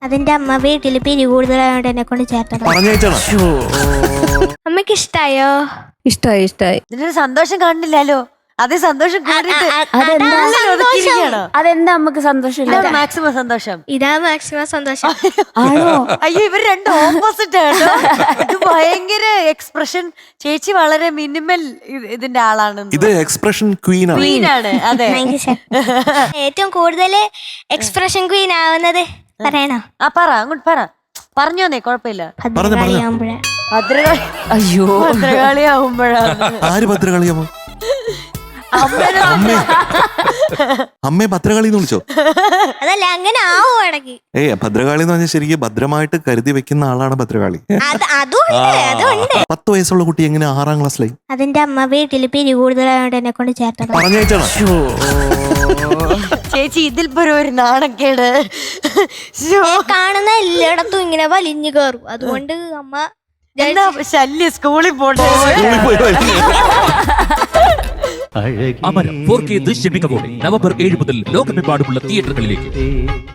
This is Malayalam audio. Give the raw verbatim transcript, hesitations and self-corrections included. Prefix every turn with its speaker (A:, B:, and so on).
A: അതിന്റെ അമ്മ വീട്ടിൽ പിരി കൂടുതലായോണ്ട് എന്നെ കൊണ്ട് ചേർത്തത്. അമ്മക്ക് ഇഷ്ടായോ?
B: ഇഷ്ടായി ഇഷ്ടായി.
C: ഇതിനൊരു സന്തോഷം കാണുന്നില്ലല്ലോ. അതേ സന്തോഷം കണ്ടിട്ട്
B: അതെന്താ നമുക്ക് സന്തോഷം?
C: മാക്സിമം സന്തോഷം.
A: ഇതാ മാക്സിമം സന്തോഷം.
C: അയ്യോ ഇവർ രണ്ടും ഓപ്പോസിറ്റ് ആണ്. ഇത് ഭയങ്കര എക്സ്പ്രഷൻ. ചേച്ചി വളരെ മിനിമൽ ഇതിന്റെ ആളാണ്.
D: ഇത് എക്സ്പ്രഷൻ ക്വീൻ
C: ആണ്. അതെ,
A: ഏറ്റവും കൂടുതൽ എക്സ്പ്രഷൻ ക്വീൻ ആവുന്നത് പറയണോ?
C: ആ പറ, അങ്ങോട്ട് പറ. പറഞ്ഞോന്നേ, കുഴപ്പമില്ല.
A: ഭദ്രകാളിയാകുമ്പോഴാ.
C: ഭദ്രകാളി.
B: അയ്യോ,
C: ഭദ്രകാളി ആവുമ്പോഴാണ്.
D: ആര് ഭദ്രകാളിയാമോ? അമ്മയെ ഭദ്രകാളി എന്ന് വിളിച്ചോ?
A: അതല്ല, അങ്ങനെ ആവും ഇടയ്ക്ക്.
D: ഏയ് ഭദ്രകാളി എന്ന് പറഞ്ഞാൽ ശരിക്കും ഭദ്രമായിട്ട് കരുതി വെക്കുന്ന ആളാണ് ഭദ്രകാളി. പത്ത് വയസ്സുള്ള കുട്ടി എങ്ങനെ ആറാം ക്ലാസ്സിലായി?
A: അതിന്റെ അമ്മ വീട്ടിൽ പിരി കൂടുതലായോണ്ട് എന്നെ കൊണ്ട് ചേർത്തത്.
D: പറഞ്ഞേച്ചാണ്
C: ചേച്ചി ഇതിൽ പോലും ഒരു നാണക്കേട്.
A: കാണുന്ന എല്ലായിടത്തും ഇങ്ങനെ വലിഞ്ഞു കയറും. അതുകൊണ്ട് അമ്മ
C: എന്താ ശല്യം, സ്കൂളിൽ പോട്ടെ.
E: അമരം ഫോർ കെ ദൃശ്യമികവോടെ നവംബർ ഏഴ് മുതൽ ലോകമെമ്പാടുമുള്ള തിയേറ്ററുകളിലേക്ക്.